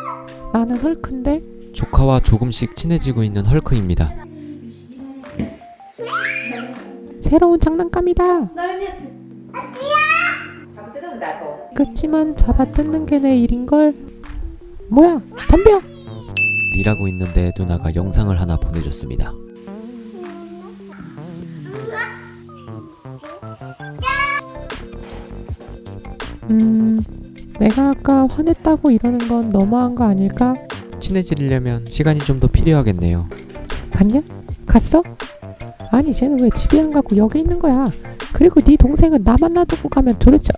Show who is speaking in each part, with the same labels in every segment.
Speaker 1: 나는 헐크인데?
Speaker 2: 조카와 조금씩 친해지고 있는 헐크입니다.
Speaker 1: 새로운 장난감이다. 그치만 잡아뜯는 게 내 일인걸. 뭐야, 덤벼.
Speaker 2: 일하고 있는데 누나가 영상을 하나 보내줬습니다.
Speaker 1: 내가 아까 화냈다고 이러는 건 너무한 거 아닐까?
Speaker 2: 친해지려면 시간이 좀 더 필요하겠네요.
Speaker 1: 갔냐? 갔어? 아니 쟤는 왜 집에 안 가고 여기 있는 거야? 그리고 네 동생은 나만 놔두고 가면 도대체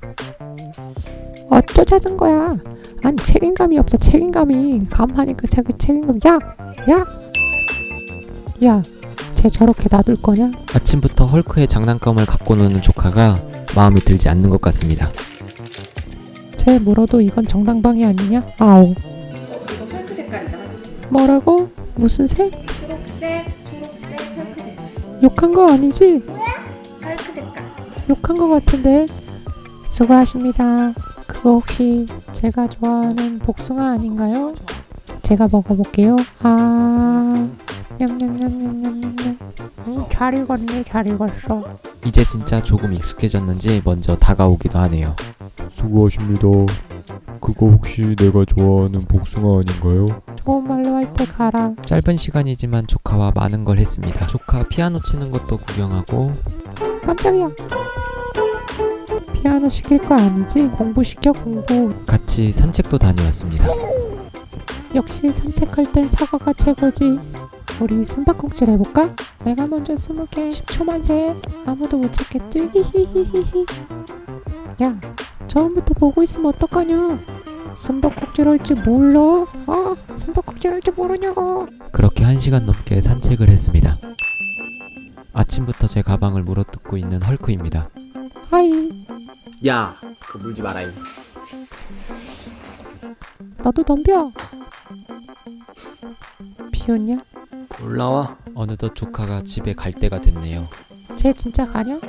Speaker 1: 어쩌 찾은 거야? 아니 책임감이 없어. 책임감이. 가만히 그 자기 책임감. 야 쟤 저렇게 놔둘 거냐?
Speaker 2: 아침부터 헐크의 장난감을 갖고 노는 조카가 마음에 들지 않는 것 같습니다.
Speaker 1: 쟤 물어도 이건 정당방위 아니냐? 아오.
Speaker 3: 이거 펄크 색깔이다.
Speaker 1: 뭐라고? 무슨 색?
Speaker 3: 초록색 펄크 색깔.
Speaker 1: 욕한 거 아니지?
Speaker 3: 펄크 색깔.
Speaker 1: 욕한 거 같은데. 수고하십니다. 그거 혹시 제가 좋아하는 복숭아 아닌가요? 제가 먹어볼게요. 냠냠냠냠냠냠. 잘 익었네. 잘 익었어.
Speaker 2: 이제 진짜 조금 익숙해졌는지 먼저 다가오기도 하네요.
Speaker 4: 수고하십니다. 그거 혹시 내가 좋아하는 복숭아 아닌가요?
Speaker 1: 좋은 말로 할 때 가라.
Speaker 2: 짧은 시간이지만 조카와 많은 걸 했습니다. 조카 피아노 치는 것도 구경하고
Speaker 1: 깜짝이야. 피아노 시킬 거 아니지? 공부시켜 공부.
Speaker 2: 같이 산책도 다녀왔습니다.
Speaker 1: 역시 산책할 땐 사과가 최고지. 우리 숨바꼭질 해볼까? 내가 먼저 20개 10초만 세. 아무도 못 찾겠지? 히히히히히. 야, 처음부터 보고 있으면 어떡하냐? 숨바꼭질 할 줄 몰라? 숨바꼭질 할 줄 모르냐고.
Speaker 2: 그렇게 1시간 넘게 산책을 했습니다. 아침부터 제 가방을 물어뜯고 있는 헐크입니다.
Speaker 1: 하이.
Speaker 5: 야, 그거 물지 마라잉.
Speaker 1: 너도 덤벼. 비웃냐?
Speaker 5: 올라와.
Speaker 2: 어느덧 조카가 집에 갈 때가 됐네요.
Speaker 1: 쟤 진짜 가냐?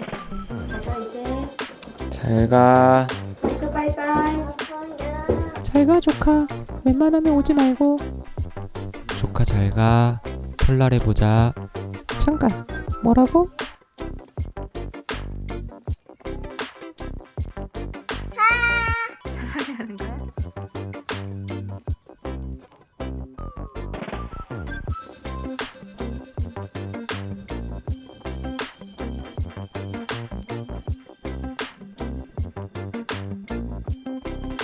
Speaker 5: 잘 가.
Speaker 3: 바이바이.
Speaker 1: 잘 가 조카. 웬만하면 오지 말고.
Speaker 2: 조카 잘 가. 설날에 보자.
Speaker 1: 잠깐. 뭐라고?